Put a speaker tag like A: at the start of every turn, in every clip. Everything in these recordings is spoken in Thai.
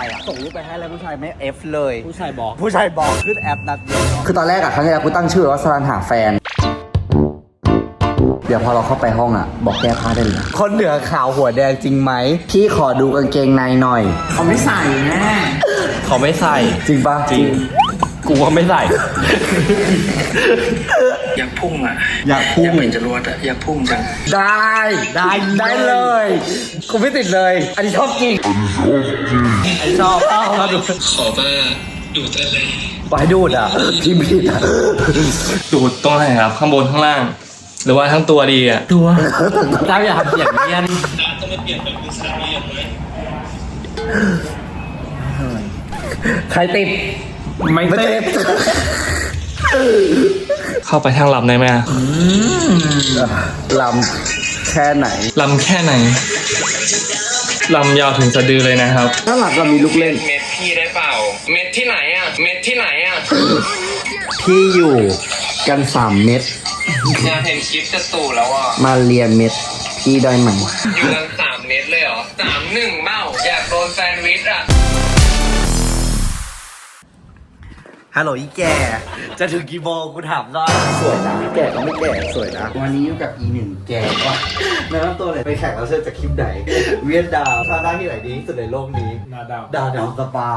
A: ายอ่ะส่งรูปไปให้แล้วผู้ชายไม่เอฟเลย
B: ผู้ชายบอก
A: ผู้ชายบอกขึ้นแอปนัดเดียว
C: คือตอนแรกอะครั้งแรกกูตั้งชื่อว่าสรันหาแฟน เดี๋ยวพอเราเข้าไปห้องอะบอกแก้ผ้าได้เลยนะ
A: คนเหนือขาวหัวแดงจริงไหม
C: พี่ขอดูกางเกงในหน่อย
B: เขาไม่ใส่แน่เขาไม่ใส่
C: จริงปะ
B: จริง กูก็ไม่ใส่
D: อยากพุ่งอ่ะ
C: อยากพุ่ง
D: อยากเป็นจรวดอ่ะ อยากพุ่งจัง
C: ได้เลยกูไม่ติดเลย อันนี้ชอบจริง
B: ไอชอบเอามาดู
D: ขอว่าดูดได้เลย
C: ไปดูดอ่ะที่ผิดอ่ะ
B: ดูดตรงไหนครับ ข้างบนข้างล่าง หรือว่าทั้งตัวดีอ่ะ ตัวถ้าอยากทำอย่างเงี้ย
D: ต้องมาเปลี่ยนแบบมือสามเหลี่ยมไหม
C: ใครติด
B: ไม่เต้เข้าไปทางลำได้ไหมอะ
C: ลำแค่ไหน
B: ลำแค่ไหนลำยาวถึงสะดือเลยนะครับ
C: ถ้าหลับเรามีลูกเล่น
D: เม็ดพี่ได้เปล่า เม็ดที่ไหนอ่ะ เม็ดที่ไหนอ่ะ
C: พี่อยู่กัน3 เม็ด
D: อยากเห็นคลิปจะตู่แล้วอ่ะ
C: มาเรียนเม็ดพี่ได้ไหม
D: อยู่กัน3 เม็ดเลยเหรอ3-1เบ้าอยากโดนแซนด์วิชอ่ะ
A: ฮัลโหลอีแกจะถึงกี่โมงกูถามหน่อย
C: สวยนะแก่ก็ไม่แก่สวยนะ วันนี้อยู่กับอีหนึ่งแก่ว่ะ
A: แนะนำตัวเลยไปแข่งแล้วเชิญจากคลิปไหน เวียดดาวซาด้าที่ไหนดีที่สุดในโลกนี้
B: นาดาว
A: ดาวสปา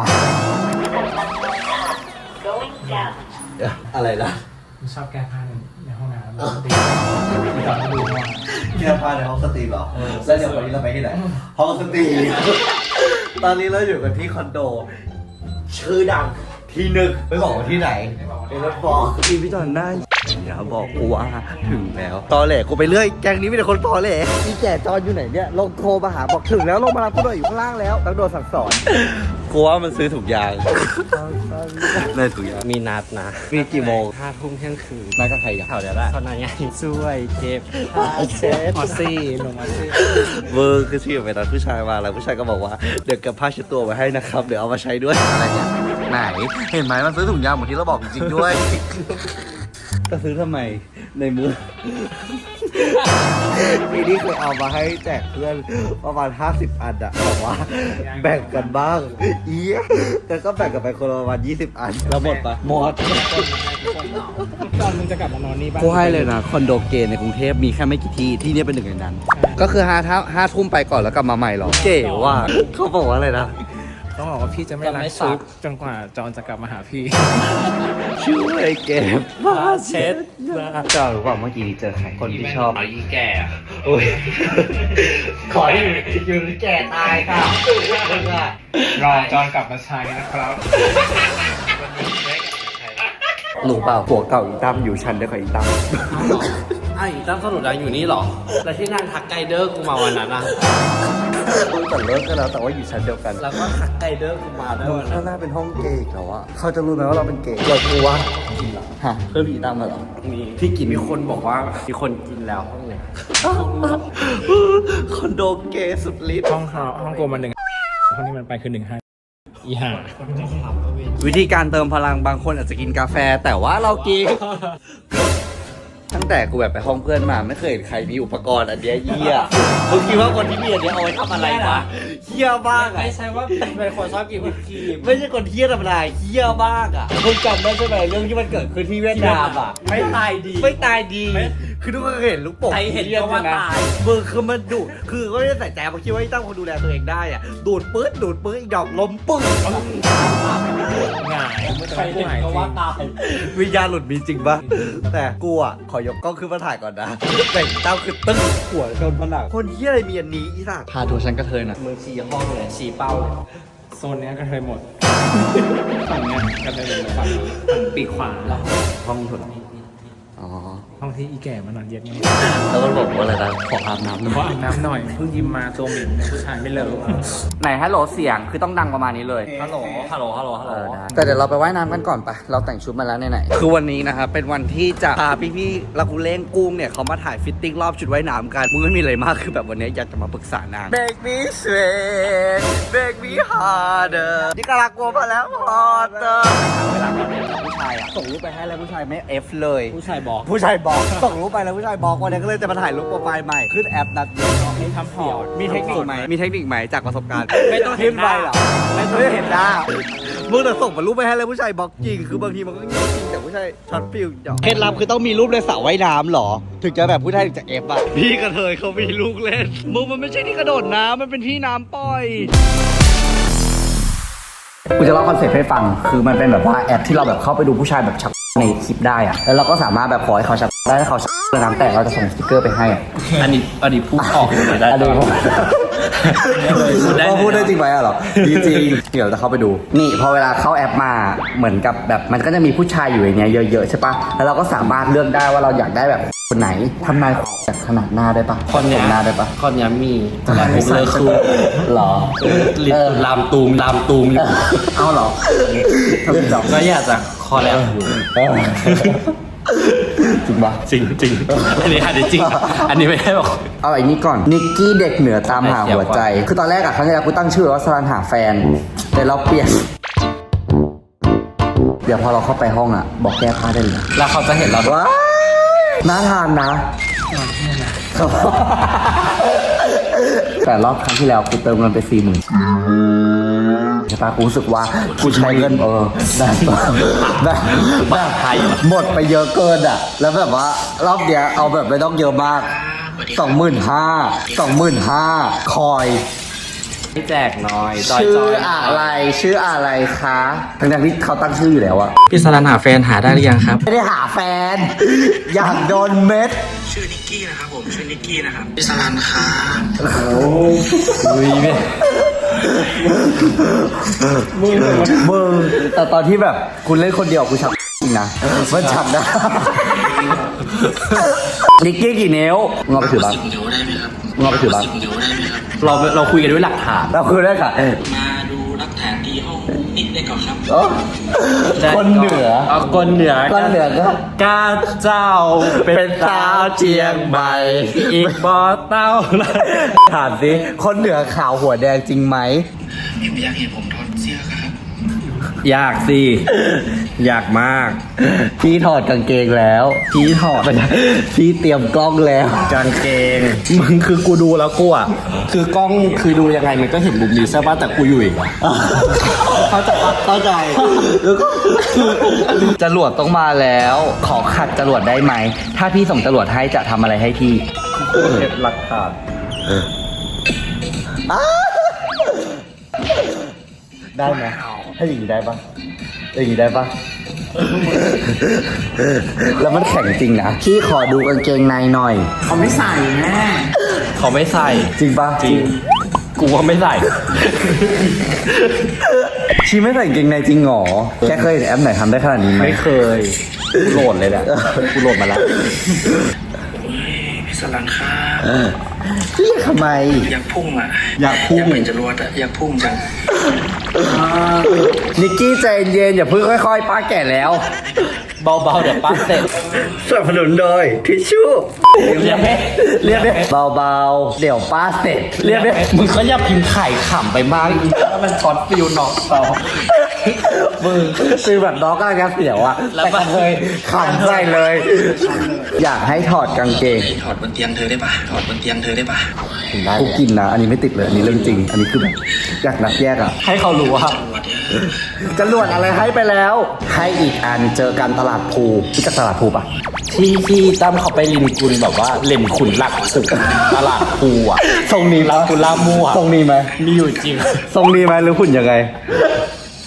A: อะไรนะ
B: ชอบแก้ผ้าในห้องน้ำตีตอนดูว่า
A: แค่พาในห้องสตรีมเหรอแล้วเดี๋ยววันนี้เราไปที่ไหน ห้องสตรีม ตอนนี้เราอยู่กันที่คอนโด ชื่อดังที่หนึ่งไม่บอกว่าที่ไหนในรถฟอกพี่พี่จอนได้อย่าบอกกูว่าถึงแล้วตอแหลกูไปเรื่อยแกงนี้มีแต่คนตอแหลอีแก่จอนอยู่ไหนเนี่ยลงโทรมาหาบอกถึงแล้วลงมารับกูหน่อยอยู่ข้างล่างแล้วต้องโดนสั่งสอนกูว่ามันซื้อถุงยางได้ถุงยาง
B: มีนัดนะ
A: มีกี่โมง
B: 5 ทุ่มเที่ยงคืน
A: นัดกับใครกัน
B: แถวเดียวละเท่านั้นไงช่วยเก็บเชฟออซี่ลงมาซี่
A: เวอร์คือที่ไปตอนผู้ชายมาแล้วผู้ชายก็บอกว่าเดี๋ยวเก็บผ้าเช็ดตัวไว้ให้นะครับเดี๋ยวเอามาใช้ด้วยอะไรเนี่ยไหนเห็นไหมมันซื้อถุงยางเหมือนที่เราบอกจริงๆด้วย จะซื้อทำไมในมือ ทีนี้เคยเอามาให้แจกเพื่อนประมาณ50 อันอะบอกว่าแบ่งกันบ้างอีแต่ก็แบ่งกันไปคนละประมาณ20 อันแล้วหมดปะหมด
B: ตอนมึงจะกลับมานอนนี่บ้าง
A: กูให้เลยนะคอนโดเกย์ในกรุงเทพมีแค่ไม่กี่ที่ที่นี่เป็นหนึ่งในนั้น ก็คือ5 ทุ่มไปก่อนแล้วกลับมาใหม่หรอเก๋ว่ะเขาบอกว่าอะไรนะ
B: ต้องบอกว่าพี่จะไม่รักซุกจนกว่าจอนจะกลับมาหาพี่
A: ช่วยเก็บผ้าเช็ดเจ้ารู้ป่าเมื่อกี้เจอใครคนที่ชอบ
D: อีแก่
A: โอ้ยขออยู่แก่ตายค่ะ
B: รอจอนกลับมาใช้นะครับ
A: รู้เปล่าผัวเก่าอีตั้มอยู่ชั้นเดียวกับอีตั้ม
B: ไอ้ตั้มสรุปแล้วอยู่นี่หรอ แล้วที่นั่งทักไกเดอร์กูมาวันนั้นอ่ะ
A: ตั้งแต่เลิกกันแล้วแต่ว่าอยู่ชั้นเดียวกัน
B: แล้วก็ทักไกเดอร์กูมาด้วยวันนั้
A: ข้าน งหน้าเป็นห้องเกย์อีกแล้วอะเขาจะรู้ไหมว่าเราเป็นเกย์เรากลัวฮะเพื่อนผีตั้มมาเหรอ
B: มีที่กินมีคนบอกว่ามีคนกินแล้วห้องเนี่ย
A: คอนโดเกย์สุดฤทธิ์
B: ห้องโกมัน1ห้องนี้มันไปคือ1 5อีห่า
A: วิธีการเติมพลังบางคนอาจจะกินกาแฟแต่ว่าเรากิน ตั้งแต่กูแบบไปห้องเพื่อนมาไม่เคยเห็นใครมีอุปกรณ์อันเนี้ยเหี้ยมึงคิดว่าคนที่มีอันเนี้ยเอาไว้ทำอะไรวะเหี้ยบ้างอะ
B: ไม่ใช่ว่าเป็นคนชอบกินวิปครีม
A: ไม่ใช่คนเหี้ยธรรมดาเหี้ยบ้างอะมึงจำได้ใช่ไหมเรื่องที่มันเกิดขึ้นที่เวียดนามอะ
B: ไม่ตายดี
A: ไม่ตายดี คือทุกคนเคยเห็นลูกโป่ง
B: ใครเห็นก็ว่าตาย
A: มึงคือมันดูดคือก็ไม่ได้ใส่ใจเพราะคิดว่าไอ้ตั้งคนดูแลตัวเองได้อะดูดปื๊ดอีกดอกล้มปึ้ง
B: ง่ายใครเห็นก็ว่าตาย
A: วิญญาณหลุดมีจริงปะแต่กูอ่ะขอยกกล้องขึ้นมาถ่ายก่อนนะแต่งเต้าคือตึ้งหัวชนผนังคนเฮียอะไรมีอันนี้อีสัก
B: พาทัวร์ฉันกระเทยน่ะมือชี้ห้องเลยชี้เป้าเลยโซนเนี้ยกระเทยหมด ฝั่งเนี้ยกระเทยหมดฝั่งปีกขวาแล้ว
A: ห้องถุนอ๋อ
B: ห้องที่อีแก่มานอนเย็นไง
A: แล้วมันบอกว่าอะไรนะขออาบน้ำหน่
B: เพราะ
A: อย
B: อาบน้ำหน่อยเพิ่งยิมมาตัวเหม็นเนี่ยผู้ชายไม่เลิก
C: ไหนฮัลโหลเสียงคือต้องดังประมาณนี้เลย
B: ฮัลโหลได้
C: แต่เดี๋ยวเราไปว่ายน้ำกันก่อนปะเราแต่งชุดมาแล้วไหน
A: คือวันนี้นะครับเป็นวันที่จะพาพี่ๆลักกูเล่งกุ้งเนี่ยเขามาถ่ายฟิตติ้งรอบชุดว่ายน้ำกันมึงไม่มีอะไรมากคือแบบวันนี้อยากจะมาปรึกษานาง Make me sweat Make me harder นี่กำลังกลัวมาแล้วพอเตอร์เวลาตอนนี้ผู้ชายอ่ะส่งรูปไปให้แล้วผู้ชายไม่ F เลย
B: ผู้ชายบอก
A: ผู้ชายบอกส่งรูปไปแล้วผู้ชายบอกวันนี้ก็เลยจะมาถ่ายรูปโปรไฟล์ใหม่ขึ้นแอปนัดเดียว
B: ให้ทำพอร์ต
A: มีเทคนิคไหมมีเทคนิคไหมจากประสบการณ์
B: ไม่ต้องเห็
A: ขึ้
B: น
A: น
B: ห
A: ไป
B: น้า
A: เหรอไม่ต้องเห็นหน้ามึงแต่ส่งมารูปไปให้แล้วผู้ชายบล็อกจริงคือบางทีมันก็เงียบจริงแต่ผู้ชายช็อตฟิลจเคล็ดลับคือต้องมีรูปในสระว่ายน้ำเหรอถึงจะแบบผู้ชายถึงจะ F อ่ะพี่กระเทยเขามีลูกเล่นมึงมันไม่ใช่ที่กระโดดน้ำมันเป็นที่น้ำปล่อย
C: กูจะเล่าคอนเซ็ปต์ให้ฟัง คือมันเป็นแบบว่าแอปที่เราแบบเข้าไปดูผู้ชายแบบชักในคลิปได้อะแล้วเราก็สามารถแบบขอให้เขาชักได้ถ้าเขาชักเรื่องน้ำแตกเราจะส่งสติ๊กเกอร์ไปให้อะ
B: อันนี้พูดออกเลยได้
C: อันนี้
B: พูดได้
C: พูดได้จริงไหมอะเหรอจริงๆเดี๋ยวจะเข้าไปดู นี่พอเวลาเข้าแอปมาเหมือนกับแบบมันก็จะมีผู้ชายอยู่อย่างเงี้ยเยอะๆใช่ปะแล้วเราก็สามารถเลือกได้ว่าเราอยากได้แบบคนไหนทำนายจากขนาดหน้าได้ปะ
B: คนเนี้ย
C: หน้าได้ปะ
B: คนเนี้ยมีแต่ผมเลยคือ
C: หรอ
B: ลิตลามตูมอยู่
C: เอาเหรอทำไมจับ
B: ก็อยากจะคอแลบอยู่
C: จริงปะ
B: จริงอันนี้จริง อันนี้ไม่ได้บอก
C: เอาไอ้นี้ก่อนนิกกี้เด็กเหนือตามหาหัวใจ คือตอนแรกอะครั้งแรกกูตั้งชื่อว่าสรันหาแฟน แต่เราเปลี่ยน เดี๋ยวพอเราเข้าไปห้องอะบอกแก้ผ้าได้เลย
B: แล้วเขาจะเห็นเราด้วย
C: ว้ายน่าทานนะ แต่รอบครั้งที่แล้วกูเติมเงินไป40,000ใช่ปะกูรู้สึกว่ากูใช้เงินแบบหมดไปเยอะเกินอ่ะ แล้วแบบว่ารอบเดียวเอาแบบไม่ต้องเยอะมาก 25,000 คอย
B: ไม่แจกน้อยจอย
C: ชื่ออะไรคะทั้งที่เขาตั้งชื่ออยู่แล้วอะ
B: พี่สรันหาแฟนหาได้หรือยังครับ
C: ไม่ได้หาแฟน อยากโดนเม็ด
E: ชื่อนิกกี้นะครับผมชื่อนิกกี้นะครับพี่สลันครับ
B: อุ้ยแม่
C: มึงแต่ตอนที่แบบคุณเล่นคนเดียวกูชักจริงนะมันชักได้นิกกี้กี่นิ้วงอไปถือบ้าง
E: 10 นิ้วได้ไหมครับ
C: งอไปถือบ้าง
E: 10 นิ้วได้ไหมครับ
B: เราคุยกันด้วยหลักฐาน
C: เราคือได้ค่ะ
E: มาดูรักฐานที่ห้องนิกได้ก่อนครับ
C: คนเหนือ
B: เอาคนเหนือ
C: คนเหนือก็
B: กาเจ้า
C: เป็นสาวเชียงใหม่
B: อีกบอเต้า
C: ถามสิคนเหนือขาวหัวแดงจริงไหม
E: อยากเห็นผมถอดเสื้อครับ
B: อยากสิอยากมาก
C: พี่ถอดกางเกงแล้ว พี่ถอดพี่เตรียมกล้องแล้ว
B: กางเกงมึงคือกูดูแล้วกูอ่ะคือกล้องคือดูยังไงมันก็เห็นมุมนี้ใช่ป่ะแต่กูอยู่อีกอ่ะ
C: เข้าใจแล้วก็จรวดต้องมาแล้ว ขอขัดจรวดได้ไหม ถ้าพี่ส่งจรวดให้จะทำอะไรให้พี่
B: เห็นหลักฐาน
C: ได้ไหมถ้าอย่างนี้ได้ปะอย่างนี้ได้ปะแล้วมันแข็งจริงนะ พี่ขอดูกางเกงในหน่อย
B: เขาไม่ใส่แม่เขาไม่ใส่
C: จริงปะ
B: จริงกูว่าไม่ใส่
C: ชีไม่ใส่กางเกงในจริงหรอแค่เคยเห็นแอปไหนทำได้ขนาดนี้ไหม
B: ไม่เคยกูโหลดเลยแหละกูโหลดมาแล้ว
E: พี่สลันครับ
C: พี่ทำไม
E: อยากพุ่งอ่ะ
C: อยากพุ่ง
E: อยากเป็นจรวดอ่ะอยากพุ่งจัง
C: นิกกี้ใจเย็นอย่าเพิ่งค่อยๆ ป้าแก่แล้ว
B: เบาๆเดี๋ยวปั๊บเสร็จ
C: สนับสนุนโดยทิชชู่
B: เรียกไหม
C: เรียกได้เบาๆ เดี๋ยวป้าเสร็จ เรียกได้
B: มึงก็อย่าพิมพ์ไข่ขำไปมากอีกถ้ามันช็อตฟิวน้องเรา
C: มึงคือแบบน้องก็จะเสียวอะ
B: แล้ว
C: แต่ก็เคยขำใส่เลย อยากให้ถอดกางเกง
E: ถอดบนเตียงเธอได้ปะถอดบนเตียงเธอได้ปะ
C: กูกินนะ อันนี้ไม่ติดเลย อันนี้เรื่องจริง อันนี้คือแบบอยากนับแยกอะ
B: ให้เขารู้ว่า
C: จรวดอะไรให้ไปแล้ว ให้อีกอันเจอกันตลาดภูรู้จักตลาดภูปะ
B: ที่ตั้มเขาไปลินกุลแบบว่าเล่นขุนหลักสุดตลาดภูอ่ะ
C: ทรงนี้
B: แล้วคุณล่ามั่ว
C: ทรงนี้ไหม
B: มีอยู่จริง
C: ทรงนี้ไหมหรือหุ่นยังไง
B: ใช่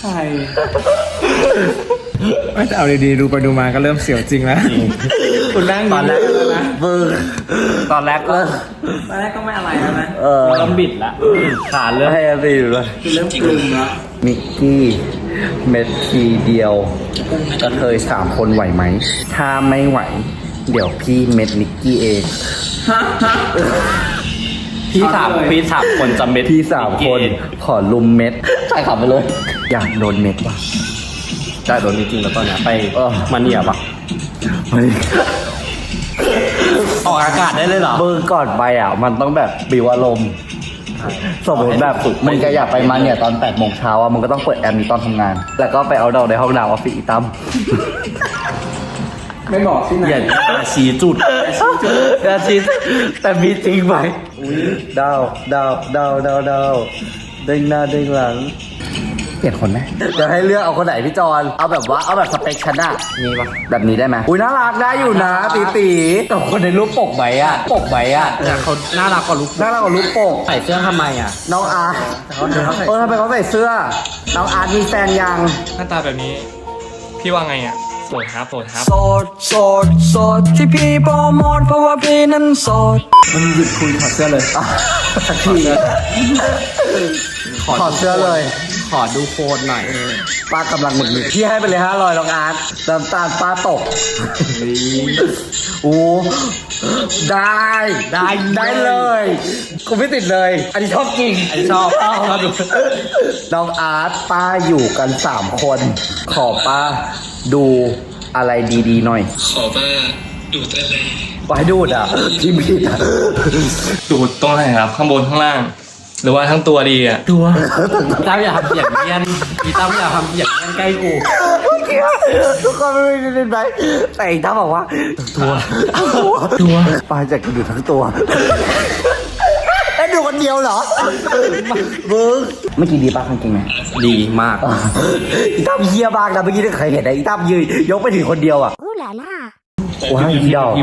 F: ไม่แต่เอาดีๆดูไปดูมาก็เริ่มเสียวจริงแล้ว
B: คุณนั่งตอนแรกนะ
C: มึง
B: ตอนแรกก็
F: ตอนแรกก็ไม่อะไรแล้วนะ
B: เริ่มบิดละขาเริ่ม
C: ให้อันตีดูเลย
F: คือเริ่มกลุ่มแล้ว
C: มิกกี้เม็ดทีเดียวกระเทย3 คนไหวไหม ถ้าไม่ไหว เดี๋ยวพี่เม็ดนิกกี้เอง
B: พี่สามคนจำเม็ด
C: พี่3 คนขอลุมเม็ดใช่ขับไปเลย อยากโดนเม็ดว่ะ
B: ใช่โดนจริงๆแล้วตอนเนี้ยไป
C: มาเนี่ยปะ
B: ออกอากาศได้เลยเหรอ
C: เบอร์ก่อนไปอ่ะ มันต้องแบบบิวอารมณ์สมมติแบบมึงจะอยากไปมาเนี่ยตอน8 โมงเช้าอ่ะมึงก็ต้องเปิดแอร์นี้ตอนทำงาน แล้วก็ไปเอาดอกในห้องน้ำออฟฟิศอีตั้ม
B: ไม่บอกที่ไหน
C: อย่าชี้จุดอย่าชี้แต่มีจริงไหมดาวเด้งหน้าเด้งหลัง เปลี่ยนคนไหมเดี๋ยวให้เลือกเอาคนไหนพี่จอนเอาแบบว่าเอาแบบสเปคฉันอะมีปะแบบนี้ได้ไหมอุ้ยน่ารักได้อยู่นะตีแต่คนในรูปปกไหมอะ
B: แต่เขาน่ารักกว่าลูก
C: น่ารักกว่ารูปปก
B: ใส่เสื้อทำไมอ่ะ
C: น้องอาร์ตทำไมเขาใส่เสื้อน้องอาร์ตมีแฟนยัง
D: หน้าตาแบบนี้ พี่ว่าไงอ่ะโสดครับ
G: โสดที่พี่โปรโมทเพราะว่าพี่นั้นโสด
B: มันหยุดคุยถอดเสื้อเลย
C: สักทีถอดเสื้อเลย
B: ขอดูโค้ดหน่อย
C: ป้ากำลังหงุดหงิดพี่ให้ไปเลย500น้องอาร์ตน้ำตาลป้าตกโอ้ได้เลยกูไม่ติดเลย อันนี้ชอบจริง
B: อันนี้ชอบดู
C: น้องอาร์ตป้าอยู่กัน3 คน ขอป้าดูอะไรดีๆหน่อย
D: ขอว่าดูดอะไร
C: ป้าดูดอ่ะที่ผิดอ่ะ
D: ดูดตรงไหนครับ ข้างบนข้างล่าง หรือว่าทั้งตัวดีอ่ะ
B: ตั้มอย่าทำเสียงเงี้ยนอีตั้มอย่าทำเสียงเงี้ยนใกล้กู
C: ทุกคนไม่ได้เล่นไหมแต่อีกท่าบอกว่าตัวป้าจะดูทั้งตัวแล้วดูคนเดียวเหรอมึงเมื่อกี้ดีป้ากางเกงไหม
B: ดีมาก
C: อีตั้มเฮียบ้างนะเมื่อกี้ที่เคยเห็นนะอีตั้มยืนยกไปถึงคนเดียวอ่ะว้าวอีดอก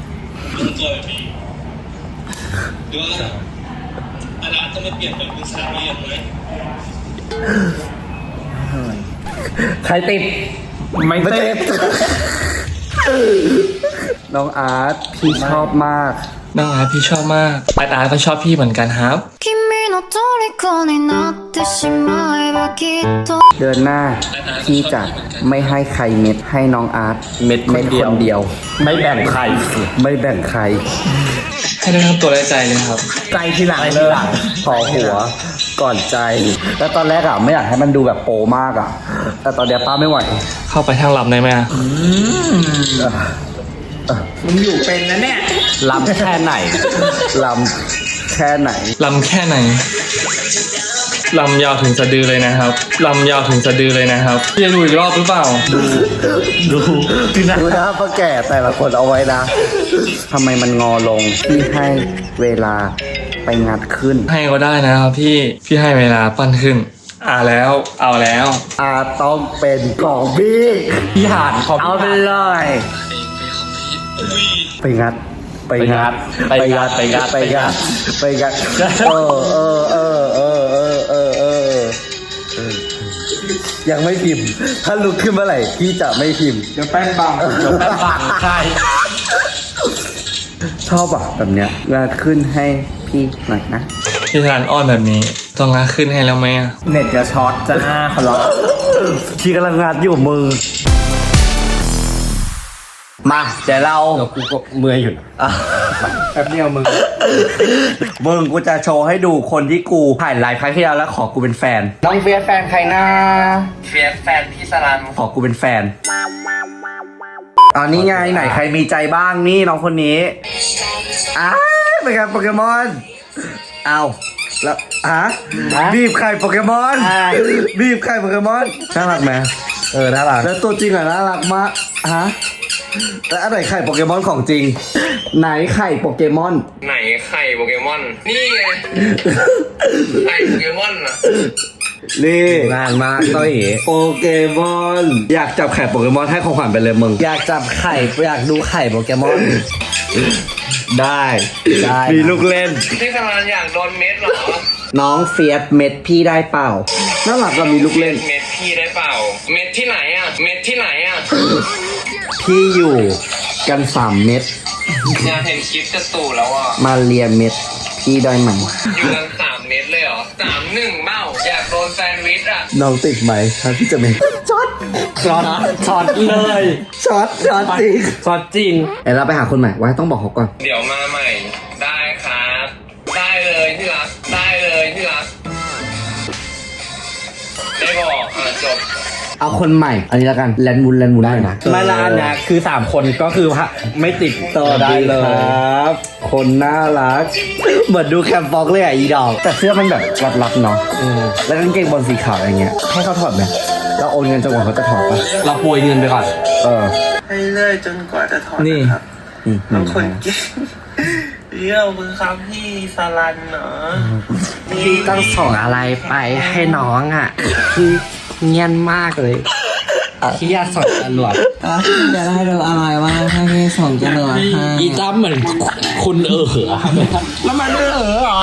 C: ใครติด
B: ไม่เต้น
C: น้องอาร์ตพี่ชอบมาก
D: น้องอาร์ตพี่ชอบมากอาร์ตก็ชอบพี่เหมือนกันครับ
G: 君の虜になってしまえばきっと
C: เดือนหน้าพี่จะไม่ให้ใครเม็ดให้น้องอาร์ต
B: เม็ดคนเดียว
C: เดียว
B: ไม่แบ่งใคร
C: ไม่แบ่งใคร
D: ให้ได้ทั้งตัวและใจเลยครับ
B: ใจทีหลังเลย
C: พอหัวก่อนใจ แล้วตอนแรกอ่ะไม่อยากให้มันดูแบบโปมากอ่ะ แต่ตอนเนี้ยป้าไม่ไหว
D: เข้าไปทางลำได้ไหมอะ
B: มึงอยู่เป็นนะเนี่ยลำแค่ไหน
C: ลำแค่ไหน
D: ลำแค่ไหนลำยาวถึงสะดือเลยนะครับลำยาวถึงสะดือเลยนะครับพี่จะดูอีกรอบหรือเปล่า
C: ดูหน้าป้าแก่แต่ละคนเอาไว้นะทำไมมันงอลงพี่ให้เวลาไปงัดขึ้น
D: ให้ก็ได้นะครับพี่ให้เวลาปั้นขึ้นเอาแล้ว
C: ต้องเป็นของพี่
B: พี่หานขอ
C: เอาไปเลยไปงัดเยังไม่พิมพ์ ถ้าลุกขึ้นเมื่อไหร่พี่จะไม่พิมพ์
B: เดี๋ยวแป้งบังใช่
C: ชอบอ่ะแบบเนี้ยงัดขึ้นให้พี่หน่อยนะ
D: พี่ทานอ้อนแบบนี้ต้องงาขึ้นให้แล้วไหมอะ
B: เน็ตจะช็อตจะหน้าเขาล็อก
C: พี่กำลังงัดอยู่มือมาเดี๋ยวเรา
B: กูก็เมื่อยอยู่แป๊บเดียวมึง
C: มึงกูจะโชว์ให้ดูคนที่กูถ่ายไลฟ์ครั้งที่แล้วแล้วขอกูเป็นแฟน น้องเฟียสแฟนใครนะ
D: เฟียสแฟนพี่สลัน
C: ขอกูเป็นแฟนอันนี้ไงไหนใครมีใจบ้างนี่น้องคนนี้อ้าวเป็นไงโปเกมอนเอาแล้วบีบไข่โปเกมอนบีบไข่โปเกมอนน่ารักไหมน่ารักแล้วตัวจริงอ่ะน่ารักมากแล้วอันไหนไข่โปเกมอนของจริง ไหนไข่โปเกมอน
D: ไหนไข่โปเกมอนนี่ไงไข่โปเกมอนอะ
C: นี่
B: นานมากต้อย
C: โปเกมอนอยากจับไข่โปเกมอนให้ของขวัญไปเลยมึงอยากจับไข่อยากดูไข่โปเกมอนได้มีลูกเล่น
D: พี่สลันอยากโดนเม็ดเหรอ
C: น้องเฟียสเม็ดพี่ได้เปล่าน่ารักก็มีลูกเล่น
D: เม็ดพี่ได้เปล่า เม็ดที่ไหนอะเม็ดที่ไหนอะ
C: พี่อยู่กัน3 เม็ด
D: อยากเห็นคลิปจะตู่แล้วอ่ะ
C: มาเรียเม็ดพี่ได้ไหม
D: อยู่กัน3 เม็ดเลยเหรอ3-1เบ้าอยากโดนแซนด์วิชอ่ะ
C: น้องติดไหมถ้าพี่จะเม็ดช็อต
B: เลย
C: ช็อตจริง
B: ช็อตจริง
C: เดี๋ยวเราไปหาคนใหม่ไว้ต้องบอกเขาก่อน
D: เดี๋ยวมาใหม่ ได้ครับ ได้เลยที่รัก ได้เลยที่รัก ได้บอกจบ
C: เอาคนใหม่ อันนี้แล้วกันแลนด์มุนได้นะ
B: ไม่ละอันนะคือ3คนก็คือไม่ติดต่อได้เลย
C: ครับคนน่ารักเหมือนดูแคมป์ฟอกเลยอ่ะอีดอกแต่เสื้อมันแบบรัดๆเนาะแล้วกางเกงบอลสีขาวอะไรเงี้ยให้เขาถอดไหมเราโอนเงินจนกว่าเขาจะถอดปะ
B: เราโปรยเงินไปก่อน
E: ให้เลื่อยจนกว่าจะถอด
F: นี่
E: ครับบางคนเก่งเยี่ยมมือครับพี่สลันเนาะ
G: พี่ต้องส่งอะไรไปให้น้องอ่ะคือเงียนมากเลย
B: ที่อยากส่งตำรวจ
G: จะได้ดูอะไรว่าถ้าพี่ส่งจะดูให้
B: อีตั้มเหมือนคุณแล้วมันเหรอ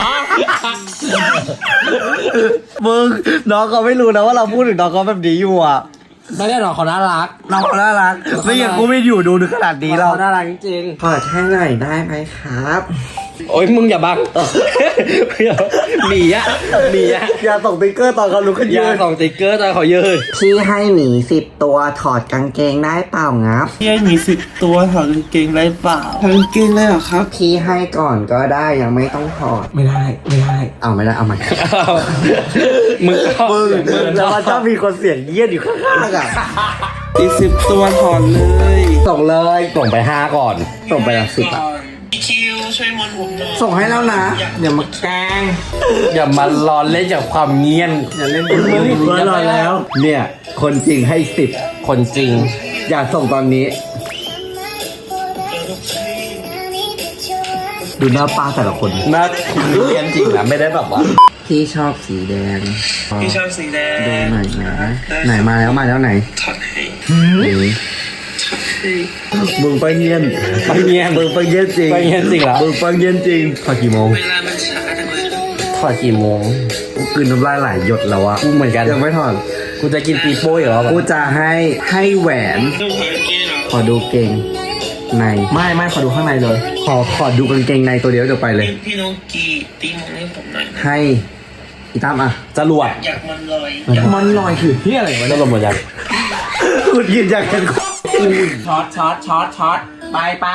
A: มึงน้องเขาไม่รู้นะว่าเราพูดถึงน้องเขาแบบนี้อยู่อ่ะ
B: ไม่ได้หรอกเขาน่ารัก
A: น้องเขาน่ารักไม่อย่างกูไม่อยู่ดูถึงขนาดนี้เรา
B: เขาน่ารักจริง
G: ถอดให้หน่อยได้ไหมครับ
B: ๆโอ้ยมึงอย่าบังหนีอะ
A: อย่าส่งติ๊กเกอร์ตอนเขาลุกขึ้น
B: อ
A: ยื
B: ย่าน ส่งติ๊กเกอร์ตอนเขายืน
G: พี่ให้หมี10 ตัวถอดกางเกงได้เปล่างับ
E: พี่มี10 ตัวถอดกางเกงได้เปล่าถอดกางเกงได้เหรอครับ
G: พี่ให้ก่อนก็ได้ยังไม่ต้องถอด
C: ไม่ได้เอาไม่ได้เอาใหม่
B: มึงก็
A: มึงแล้วมันชอบมีคนเสียงเยี่ยนอยู่ข้างๆอ่ะ
E: อีก10 ตัวถอดเลย
C: ส่งเลยส่งไป5ก่อนส่งไปละ10อ่ะ
E: คิวช่วยมอนผมหน่อย
G: ส่งให้แล้วนะอย่ามาแกล้ง
B: อย่ามาล้อเล่นจากความเงียน
G: อย่าเล่น
A: เมื่อรอแล้ว
C: เนี่ยคนจริงให้10
B: คนจริง
C: อย่าส่งตอนนี้ ดูหน้าป้าแต่ละคน
B: น่าเรียนจริงนะไม่ได้แบบว่า
G: พี่ชอบสีแดง
E: พี่ชอบสีแดง
G: ดูหน่อยนะ
C: ไหนมาแล้วไหน
E: ถอดให้
C: นี่
E: ถอดให้
C: มึงไปเงียน
B: ไปเงียน
C: มึงไปเงียนจริง
B: ไปเงียนจริงเหรอ
C: มึงไปเงียนจริงพอกี่โมง
E: เวลามันช้าจังเลย
B: ถอดกี่โมง
C: กูกลืนน้ำลายไหลหยดแล้วอะ
B: กูเหมือนกัน
C: ยังไม่ถอด
B: กูจะกินปีโป้อีกแล้ว
C: กูจะให้แหวน
E: ต้องถอดกางเกงเหรอ
C: ขอดูเกงใน
B: ไม่ขอดูข้างในเลย
C: ขอดูกางเกงในตัวเดียวเดี๋ยวไปเลย
E: พี่น้องกีตีมองให้ผมหน่อยนะ
C: ให้อีตั้มอะ
B: จรวด
E: อยากมันลอย
B: มันลอยคือที่อะไรวะจรวดหมดยัง
A: กูยืนอยากเห็น
B: ช็อตไป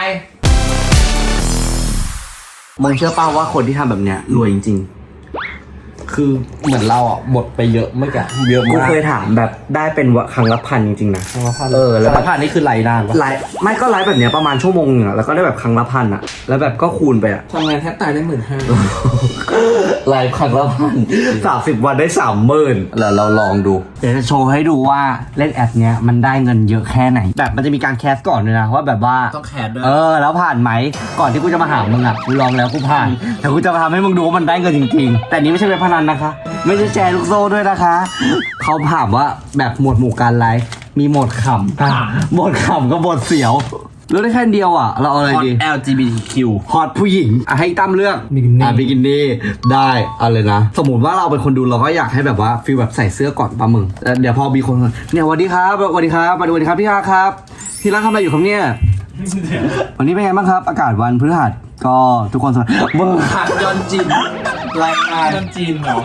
C: มึงเชื่อป่าว่าคนที่ทำแบบเนี้ยรวยจริง
B: คือเหมือนเราอ่ะหมดไปเยอะเมื่อกี้เยอะ
C: ๆ กู
B: มาก
C: เคยถามแบบได้เป็นครั้งละพันจริงๆนะ
B: แล้
C: แล้วว
B: ผ่านนี่คือไหลนานปะ
C: ไลฟ์ไม่ก็ไลฟ์แบบเนี้ยประมาณชั่วโมงหนึงอะแล้วก็ได้แบบครั้งละพันอะแล้วแบบก็คูณไปอะ
B: ทำงานแทบตายได้15,000
C: ไลฟ์ครั้งละพัน30 วันได้30,000แล้วเราลองดู เดี๋ยวจะโชว์ให้ดูว่าเล่นแอปเนี้ยมันได้เงินเยอะแค่ไหน แบบมันจะมีการแคสก่อนด้วยนะว่าแบบว่า
B: ต้องแคสด้วย
C: แล้วผ่านไหมก่อนที่กูจะมาหามึงอะกูลองแล้วกูผ่านแต่กูจะมาทำให้มึงดูว่ามันได้เงินจริงๆ แต่นี้ไม่ใช่เว็บพนันนะคะ ไม่ใช่แชร์ลูกโซ่ด้วยนะคะเขาถามว่าแบบหมวดหมู่การไลฟ์มีโหมดขำโหมดขำกับโหมดเสียวเลือกได้แค่เดียวอะเราเอาอะไรดี
B: LGBTQ
C: ฮอตผู้หญิงให้ตั้มเลือก
B: บิกินี่
C: บิกินี่ได้เอาเลยนะ สมมติว่าเราเป็นคนดูเราก็อยากให้แบบว่าฟีลแบบใส่เสื้อก่อนป่ะมึงแล้วเดี๋ยวพอมีคนเนี่ยสวัสดีครับสวัสดีครับสวัสดีครับพี่อาครับที่ร้านทำอะไรอยู่ครับเนี่ยวันนี้เป็นไงบ้างครับ อากาศวันพฤหัสก็ทุกคนสบายมึง
B: หัดยอนจินรายงานยอนจินเหรอ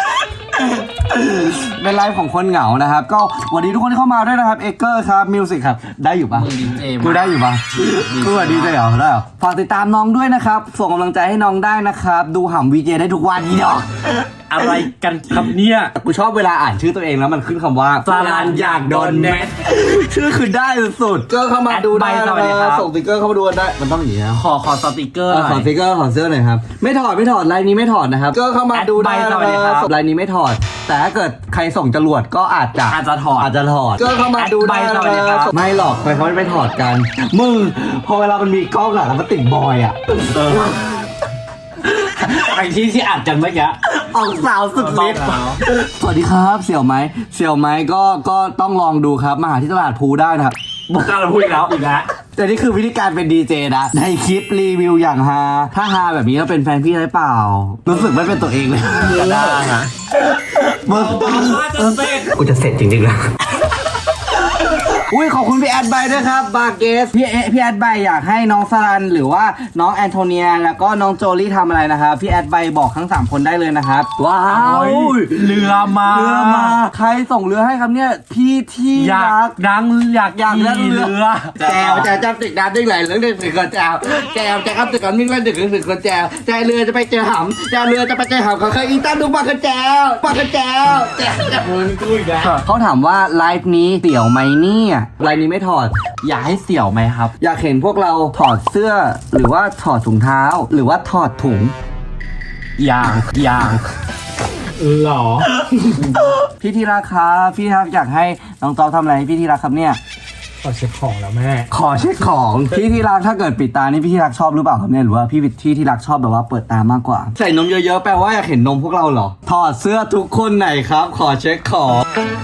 C: เป็นไลฟ์ของคนเหงานะครับ ก็สวัสดีทุกคนที่เข้ามาด้วยนะครับเอเกอร์ครับมิวสิกครับได้อยู่ปะ
B: มึงดีเจ
C: กูได้อยู่ปะกูว่าดีใจเหรอได้เหรอฝากติดตามน้องด้วยนะครับส่งกำลังใจให้น้องได้นะครับดูหำวีเจได้ทุกวันนี้ดอก
B: อะไรกันครับเนี่ย
C: กูชอบเวลาอ่านชื่อตัวเองแล้วมันขึ้นคำว่า
B: สลันอยากโดนแมส
C: ชื่อคือได้สุดๆก็เข้ามาดูได้
B: แอด
C: นะ
B: ไบสวัสดีครับ
C: ส่งสติ๊กเกอร์เข้ามาดูกันได้มันต้องอย่างนี้นะ
B: ขอสติกเกอร์
C: ขอสติ๊กเกอร์ขอเสื้อหน่อยครับไม่ถอดลายนี้ไม่ถอดนะครับก็เข้ามาดูได้
B: แอด
C: นะ
B: ไบสวัสดีครับ
C: ลายนี้ไม่ถอด แต่ถ้าเกิดใครส่งจรวดก็อาจจะ
B: ถอด
C: ก็เข้ามาดูได้
B: แอดไบส
C: นะ
B: วัสดีครับ
C: ไม่หรอกเขาไม่ถอดกันมึงพอเวลามันมีกล้องอะแล้วมันติดบอยอะ
B: ไอ้ที่อัดกันเมื่อกี้
C: ออกสาวสุดฤทธิ์สวัสดีครับเสี่ยวไหมก็ต้องลองดูครับมาหาที่ตลาดภูได้นะครับ
B: ก็เราพูดอีกแล้ว
C: แต่นี่คือวิธีการเป็นดีเจนะในคลิปรีวิวอย่างฮาถ้าฮาแบบนี้ก็เป็นแฟนพี่ได้เปล่า รู้สึกไม่เป็นตัวเองเลยก็ได้นะมึงกูจะเสร็จจริงๆแล้วอุ้ยขอบคุณพี่แอดไบด้วยครับบาเกสพี่แอดไบอยากให้น้องสรันหรือว่าน้องแอนโทเนียแล้วก็น้องโจลี่ทำอะไรนะครับพี่แอดไบบอกทั้ง3คนได้เลยนะครับว้าวเรือมาใครส่งเรือให้ครับเนี่ยพี่ที่รักอยากนั่งเรือแจวจะติดน้ำได้ไหลเรื่องดึกก่อนแจวจะครับดึกก่อนวิ่งเล่นดึกก่อนแจวเรือจะไปเจอหำเรือจะไปเจอหำเขาเคยอีตั้มดูปากกระแจวเขาถามว่าไลฟ์นี้เสี่ยวไหมเนี่ยไลฟ์นี้ไม่ถอดอยากให้เสี่ยวไหมครับอยากเห็นพวกเราถอดเสื้อหรือว่าถอดถุงเท้าหรือว่าถอดถุงอย่างหรอ พี่ที่รักครับพี่ครับอยากให้น้องจอทำอะไรให้พี่ที่รักครับเนี่ยขอเช็คของแล้วแม่ขอเช็คของพี่ที่รักถ้าเกิดปิดตานี่พี่ที่รักชอบหรือเปล่าครับเนี่ยหรือว่าพี่ที่รักชอบแบบว่าเปิดตามากกว่าใส่นมเยอะๆแปลว่าอยากเห็นนมพวกเราเหรอถอดเสื้อทุกคนไหนครับขอเช็คของ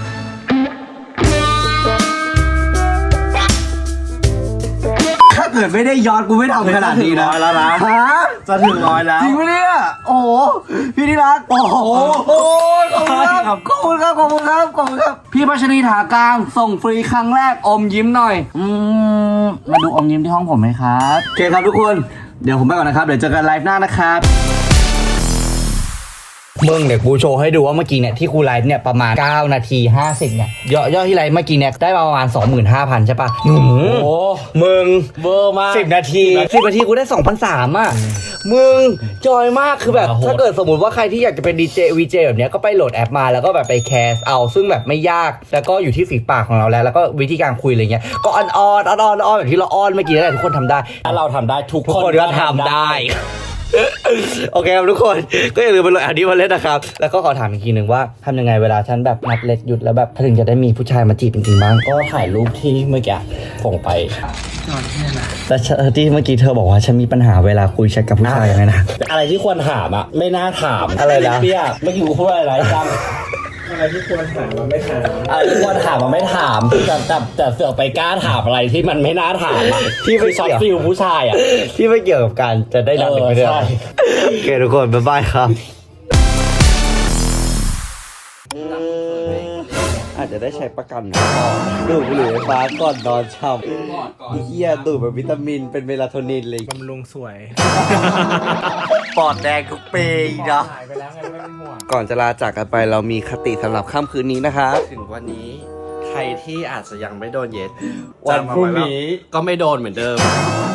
C: ถ้าเกิดไม่ได้ย้อนกูไม่ทำขนาดนี้นะแล้วนะฮะจะถึง100แล้วจริงไหมเนี่ยโอ้โหพี่ที่รักโอ้โหขอบคุณครับพี่พัชรีถากลางส่งฟรีครั้งแรกอมยิ้มหน่อยมาดูอมยิ้มที่ห้องผมไหมครับโอเคครับทุกคนเดี๋ยวผมไปก่อนนะครับเดี๋ยวเจอกันไลฟ์หน้านะครับมึงเดี๋ยวกูโชว์ให้ดูว่าเมื่อกี้เนี่ยที่กูไลฟ์เนี่ยประมาณ9นาที50เนี่ยยอดที่ไลฟ์เมื่อกี้เนี่ยได้ประมาณ 25,000 ใช่ปะโอ้โหมึงเบอร์มาก10 นาทีกูได้ 2,300 อ่ะมึงจอยมากคือแบบถ้าเกิดสมมติว่าใครที่อยากจะเป็นดีเจวีเจแบบเนี้ยก็ไปโหลดแอปมาแล้วก็แบบไปแคสเอาซึ่งแบบไม่ยากแล้วก็อยู่ที่ฝีปากของเราแล้วก็วิธีการคุยอะไรเงี้ยก็อ้อนแบบที่เราอ้อนเมื่อกี้นั่นแหละทุกคนทำได้ถ้าเราทำได้ทุกคนก็ทำได้โอเคครับทุกคนก็อย่าลืมไปโหลดแอปนี้มาเล่นนะครับแล้วก็ขอถามอีกทีหนึ่งว่าทำยังไงเวลาฉันแบบนัดเล็กหยุดแล้วแบบถึงจะได้มีผู้ชายมาจีบจริงๆบ้างก็ถ่ายรูปที่เมื่อกี้ส่งไปแต่ที่เมื่อกี้เธอบอกว่าฉันมีปัญหาเวลาคุยแชทกับผู้ชายยังไงนะอะไรที่ควรถามอ่ะไม่น่าถามอะไรนะเปียกเมื่อกี้กูพูดอะไรจัง
F: อะไรที่ควรถามมันไม่ถาม
C: อะไรที่ควรถามมันไม่ถามแต่เสือกไปกล้าถามอะไรที่มันไม่น่าถามอ่ะที่ไม่ช็อตฟิลผู้ชายอ่ะที่ไม่เกี่ยวกับการจะได้ดังไม่ได้โอเคทุกคนบ๊ายบายครับอาจจะได้ใช้ประกันดูดบุหรี่ไฟฟ้าก่อนนอนช่ำเหี้ยดูดแบบวิตามินเป็นเมลาโทนินเลย
F: บำรุงสวย
C: ปอดแดงทุกปีเนาะก่อนจะลาจากกันไปเรามีคติสำหรับค่ำคืนนี้นะคะถึงวันนี้ใครที่อาจจะยังไม่โดนเย็ดวันพรุ่งนี้ก็ไม่โดนเหมือนเดิม